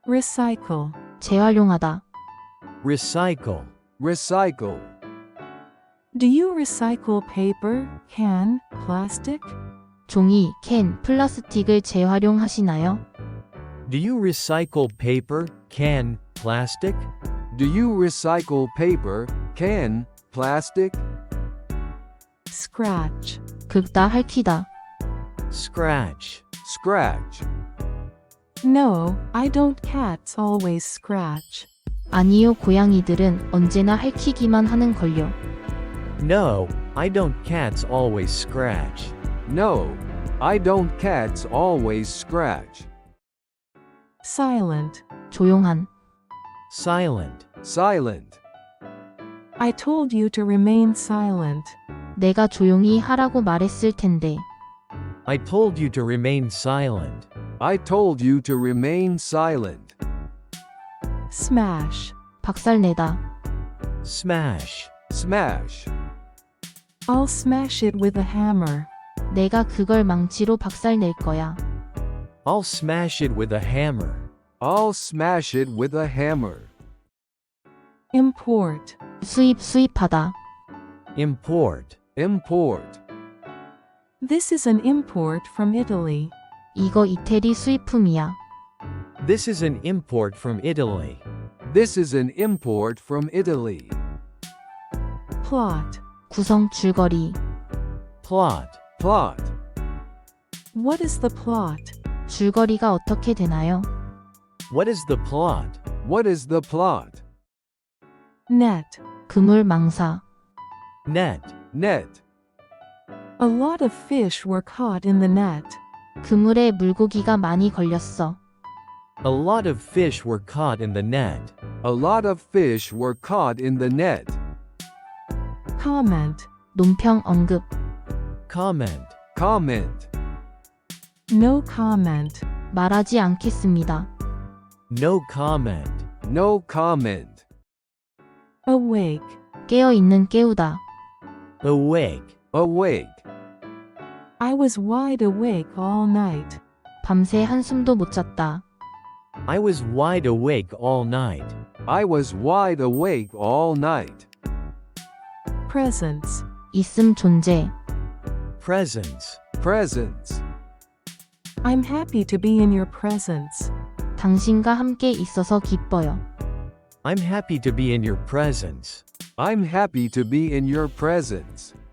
recycle, 재활용하다. recycle, recycle, do you recycle paper, can, plastic? 종이, 캔, 플라스틱을 재활용하시나요? do you recycle paper, can, plastic? do you recycle paper, can, plastic? Scratch, 긁다, 핥히다. scratch, scratch, no, I don't. Cats always scratch. 아니요, 고양이들은 언제나 핥히기만 하는 걸요. no, I don't. Cats always scratch. no, I don't. Cats always scratch. Silent, 조용한. silent, silent, I told you to remain silent. 내가 조용히 하라고 말했을 텐데. I told you to remain silent. I told you to remain silent. Smash, 박살내다. smash, smash, I'll smash it with a hammer. 내가 그걸 망치로 박살낼 거야. I'll smash it with a hammer. I'll smash it with a hammer. Import, 수입하다. import, import, this is an import from Italy. 이거 이태리 수입품이야. this is an import from Italy. this is an import from Italy. Plot, 구성, 줄거리. plot, plot, what is the plot? 줄거리가 어떻게 되나요? what is the plot? what is the plot? Net, 그물, 망사. net, net, a lot of fish were caught in the net. 그물에 물고기가 많이 걸렸어. a lot of fish were caught in the net. a lot of fish were caught in the net. Comment, 논평, 언급. comment, comment, no comment. 말하지 않겠습니다. no comment. no comment. Awake, 깨어있는, 깨우다. awake, awake, I was wide awake all night. 밤새 한숨도 못 잤다. I was wide awake all night. I was wide awake all night. Presence, 있음, 존재. presence, presence, I'm happy to be in your presence. 당신과 함께 있어서 기뻐요. I'm happy to be in your presence. I'm happy to be in your presence.